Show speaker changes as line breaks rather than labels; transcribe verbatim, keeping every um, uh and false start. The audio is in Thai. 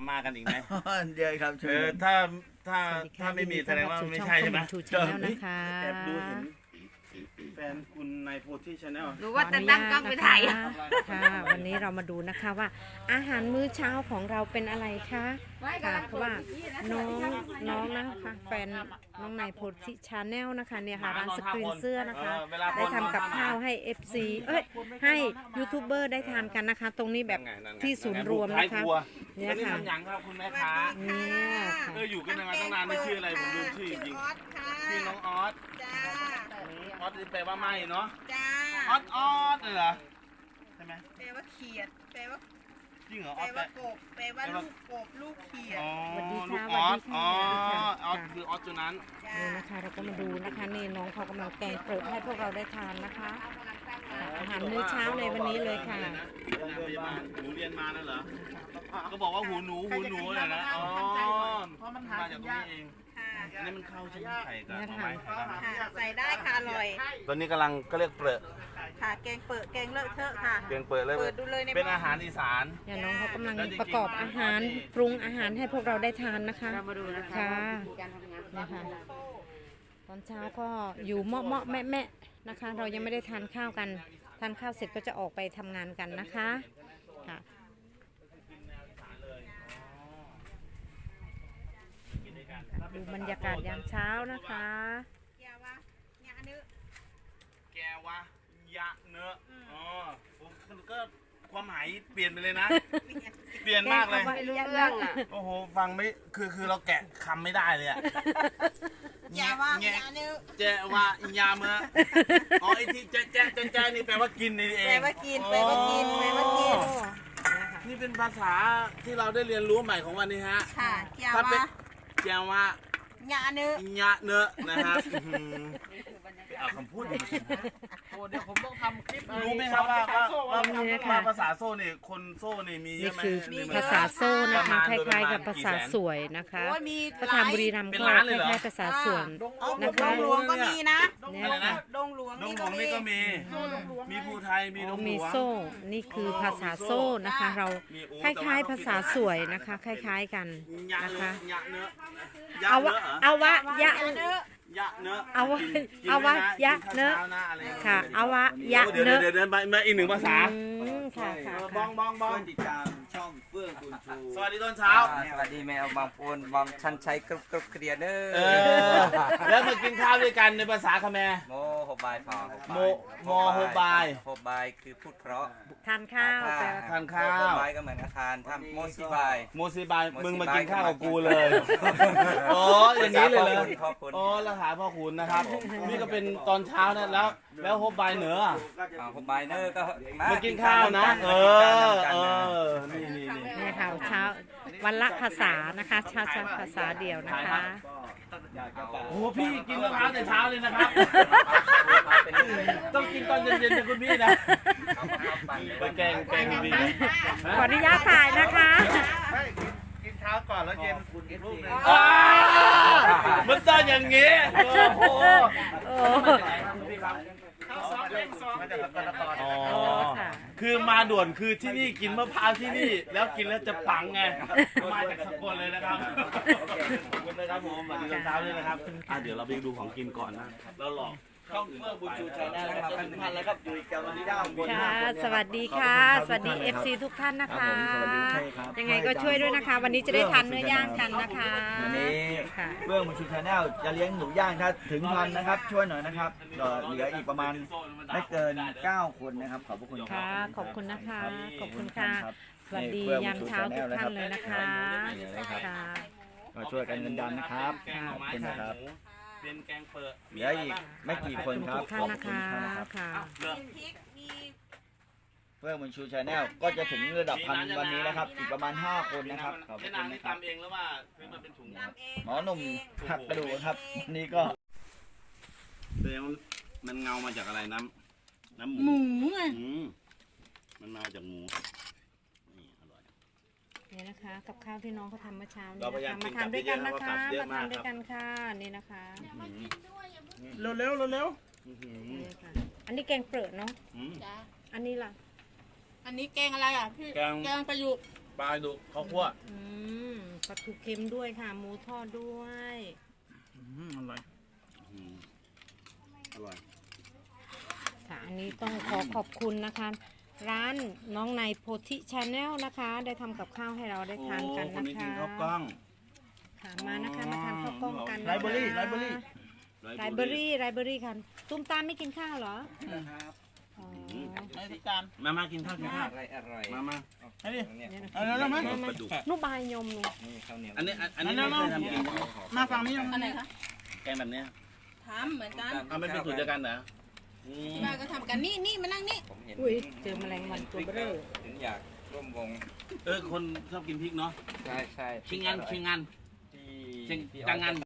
มาม่ากันอีกไหม
เดี๋ยวครับ
เออถ้าถ้าถ้าไม่มีแสดงว่าไม่ใช่ใช่ไหม
ชูชาแนลนะคะ
แอบดูเห็นแฟนคุณในโพธิชาแนล
หรือว่าจะตั้งกล้องไปถ่าย
ค่ะ วันนี้เรามาดูนะคะว่า อาหารมื้อเช้าของเราเป็นอะไรคะค่ะเพราะว่าน้องน้องนะคะแฟนน้องนายโพธิชาแนลนะคะเนี่ยค่ะร้านสกรีนเสื้อนะคะได้ทำกับข้าวให้ เอฟ ซี เอ้ยให้ยูทูบเบอร์ได้ทานกันนะคะ ตรงนี้แบบที่ศูนย์รวมนะคะเนี่
เนี่ย
ยค่ะ
ทำอย่างครับคุณแม่ค้า
เนี่ยค่ะ
เอออยู่กันมาตั้งนานไม่ชื่ออะไรผมลืมชื่อจริงๆชื่อน้องออส
จ้า
ออสแปลว่าไม่เนาะ
จ้า
ออสออสเลยเหรอใช่ไหม
แปลว่าเขียดแปลว่า
จริงเหรอ
แป
อ
ล
อส
ว่ากบแปลว่าลูกกบลูกเขียด
อ๋อ
สวัสดี
ลู
ค่ะ
กออส
สวั
อ๋อ
สดีค่ะ
ออสคือออสตัวนั้น
จ้า
นี่นะคะเราก็มาดูนะคะนี่น้องเขากำลังแกงเปิดให้พวกเราได้ทานนะคะอาหารมื้อเช้าในวันนี้เลยค่ะ
หนูเรียนมานั่นเหรอก็บอกว่าหูหนูหูหนูเลยนะอ๋อมาจากตรงนี้เอง
ค่ะ
อันนี้มันเข้าใช่ไหมไข่กับหน่อไม้ไข่ดำ
ค่ะใส่ได้ค่ะอร่อย
ตอนนี้กำลังก็เรียกเปลือก
ค่ะแกงเปิดแกงเลอะเทอะค่ะ
เปลือกเปิดเลย
เปิดดูเลยใน
เป็นอาหารอีสาน
เนี่ยน้องเขากำลังประกอบอาหารปรุงอาหารให้พวกเราได้ทานนะคะมาดูนะคะค่ะนะคะตอนเช้าก็อยู่เมาะเมาะแม่แม่นะคะ เรายังไม่ได้ทานข้าวกันทานข้าวเสร็จก็จะออกไปทำงานกันนะคะค่ะดูบรรยากาศยามเช้านะคะ
แกวะยาเนื้อ
แกวะยะเนื้ออ๋อผมก็ความหมายเปลี่ยนไปเลยนะ เปลี่ยนมากเลย
ไม่รู้เรื่องอ่ะ
โอ้โห ฟังไม่ คือ คือเราแกะคำไม่ได้เลยอะ
แกวะ
แงะ
ยาเนื้อ
แจวะอิญญาเมื่ออ๋อไอที่แจ๊ะแจ๊ะแจ๊ะแจ๊ะนี่แปลว่ากินนี่เอง
แปลว่ากินแปลว่ากินแปลว่ากิน
นี่เป็นภาษาที่เราได้เรียนรู้ใหม่ของวันนี้ฮะ
ค่ะแก
ถ้าเป็น
วะ
แจวะ
ยาเนื้อ
อิญญาเนื้อนะครับอื้อหือเอาคำพูดมาสิ
โอ้เดี๋ยวผมต้องทำคลิป
รู้ไหมครับว่าว่าว่า
นี่ค่ะ
ว่าภาษาโซ่นี่คนโซ่นี่มีเย
นี่
อะไหม
คือ
ในเมือง
ภาษาโซ่นะคะค
ประมาณ
ล้ายๆกับ
ประมาณ
ภาษา
กี่แสน
สวยนะคะ
โอ้ยมี
พระธรรมบุรีรัมย์
เป็น
ก็
ล้าน
ค
เลยเหรอ
ล้ายๆภาษาสวน
เอา
นะ
ด
คะ
งหลวงก็มีนะ
เนี่ย
อะไรนะ
ดงหลวง
ดง
นี่
หล
ก็
วง
มี
นี่ก็มี มีภูไทย มีดงหล
มี
วง
โซ่นี่คือภาษาโซ่นะคะ เรา
มีโอ้
คล้ายๆภาษาสวยนะคะ คล้าย ๆกัน
ยะ
นะ
เนื้
คะ
อยะเนื้อ ยะ
เอา
เนื้
วะ
อเหรอ
เอาวะยะ
เนื้อย
ะเนื้อ
เอาวะ
กินกิน
เอาวะ
ด้วย
ยะ
กิ
เนื้อ
ข้าวช้าหน้าอะไรอย่างเงี้ย
ค่ะเอาวะยะ
เดี๋ยว
เนื้อ
เดี๋ยวเดินไปมาอีกหนึ่งภาษา
อืมค่ะค่ะ
เออ
ค่ะ
บองบองบอง
ติดตามช่องเฟื่องคุณชู
สวัสดีตอนเช้า
สวัสดีแมวบางปูนบางชันชัยกรุบกรุบเคลียร์เด้
เอ
อ
อ แล้วมากินข้าวด้วยกันในภาษาคแมร์
โมโฮบายฟอ
โมโมโฮบาย
โฮบายคือพูดเพราะ
ทานข้าวแต่
ทานข้าว
โฮบายก็เหมือนอาคารทำโมซิบาย
โมซิบาย
โมซิบาย
มึงมากินข้าวกับกูเลยอ๋ออย่างนี้เลยเลย
พ่อคุณ
อ๋อราคาพ่อคุณนะครับ นี่ก็เป็นตอนเช้านะแล้ว แล้วโฮบายเหนืออ่ะ
อ่าโฮบายเนอร์ก็
มากินข้าวนะ เออ เออ นี่นี่นี่
นี่ค่ะเช้าวันละภาษานะคะเช้าเช้าภาษาเดียวนะคะ
โอ้โหพี่กินมะพร้าวแต่เช้าเลยนะครับ ต้องกินตอนเย็นๆนะคุณพี่นะไปแกงแกงดีนะ
ขออนุญาตถ่ายนะคะ
กินเช้าก่อนแล้วเย็นคุณกินลูกนึงมันต้องอย่างงี้ โอ้โห
โอ้
มาจากสกลนครอ๋อ
ค่ะ
คือมาด่วนคือที่นี่กินมะพร้าวที่นี่ แล้วกินแล้วจะปังไง มาจากสกลเลยนะครับขอบคุณนะครับผมสวัสดีตอนเช้าด้วยนะครับอ่ะเดี๋ยวเราไปดูของกินก่อนนะแล้วหลอกช่องเมื่อบุญชูชัยนะครับเป็นพันแล้วครับอยู่กับวันนี้ได้คน
ค่ะ สวัสดีค่ะ สวัสดี เอฟ ซี ทุกท่านนะคะ ยังไงก็ช่วยด้วยนะคะ วันนี้จะได้ทานเนื้อย่างกันนะคะ
วันนี้
ค่ะ
เบื้องบุญชูชาแนลจะเลี้ยงหนูย่างถ้าถึงพันนะครับ ช่วยหน่อยนะครับเอ่อเหลืออีกประมาณไม่เกินเก้าคนนะครับ ขอบพระคุณครั
ค่ะ
บ
ขอบคุณนะคะ ขอบคุณค่ะ สวัสดียามเช้าทุกท่านเลยนะคะค่ะ
มาช่วยกันกันดันนะครับ
แกงหน่อไม้
ขอบคุณ
ใส่
นะค
ห
รับ
มูเป็นแกงเปิด
เหลืออีกไม่กี่คนครับ
ทุกท่านนะคะ ค่ะ
เหลือ
มีพริกมี
เบื้องบุญชูชาแนลก็จะถึงระดับพันวันนี้นะครับ อีกประมาณห้าคนนะครับขอบพ
ใช้
ระคุณ
น้ำนี่
นะครับ
ตำเองหรือว่าซื้อมาเป็นถุงครับ
ทำเอง
หมอหนุ่มหักกระดูกครับวันนี้ก็
แสดงว่ามันเงามาจากอะไรน้ำน้ำห
ห
มู
มูไง
อืมมันมาจากหมูนี่อร่อย
นี่นะคะ กับข้าวที่น้องเขาทำเมื่อเช้านี้
เราพยายา
นะ
ม
คะ
กิ
มาน
กลั
ทาน
บ
ด้วยกันนะคะ
เยอะๆ
มา
ว่า
ทาน
กลับเยอะมาก
ด้วยกันค่ะ นี่นะคะ
เร็วเร็วเร็วเร็ว
นี่ค่ะ อันนี้แกงเปลือกเนาะ
จ้า
อันนี้ล่ะ
อันนี้แกงอะไรอ่ะพี่
แกง
แกงประยุกต์
ปลาดุกข้าวคั่ว
อืมปลาทูเค็มด้วยค่ะ หมูทอดด้วย
อืมอร่อย
อืมอร่อย
ค่ะอันนี้ต้องขอขอบคุณนะคะ ร้านน้องในโพธิชาแนลนะคะ ได้ทำกับข้าวให้เราได้ทานกัน
โอ้คน
นะ
นี้
คะ
กินข้าวกล้อง
ค่ะมานะคะมาทานข้าวกล้องกันนะคะ
ไลฟ์เบอรี่ไลฟ์เบอรี่
ไรเบอรี่ไรเบอรี่ค่ะตุ้มตามไม่กินข้าวเหรอ
นะครับ
อ๋อ
ให้ทุกการ
มามากินข้าวกินข้าว
อร่อยอร่อย
มามา
ให้ดิ
เนี่ย
เนี่ยนะ
เอาแล้วไหม
ปลาดุก
นุบายยมหนู
นี่ข้าวเหนียว
อันนี้อันอันนี้ไม่เคยทำกินใช่ไหม
มาฝั่งนี้
อันไหนคะ
แกงแบบเนี้ย
ทำเหมือนกัน
เอาไม่เป็นสูตรเดียวกันเหรออืม
ที่บ้านก็ทำกันนี่นี่มานั่งนี่
ผมเห็น
อุ้ยเจอแมลงวันตัวเบ้อ
ถึงอยากร่วมวง
เออคนชอบกินพริกเนาะ
ใช่ใช่
ชิงงานชิงงาน
ที่
ชิง
ที่
จังงาน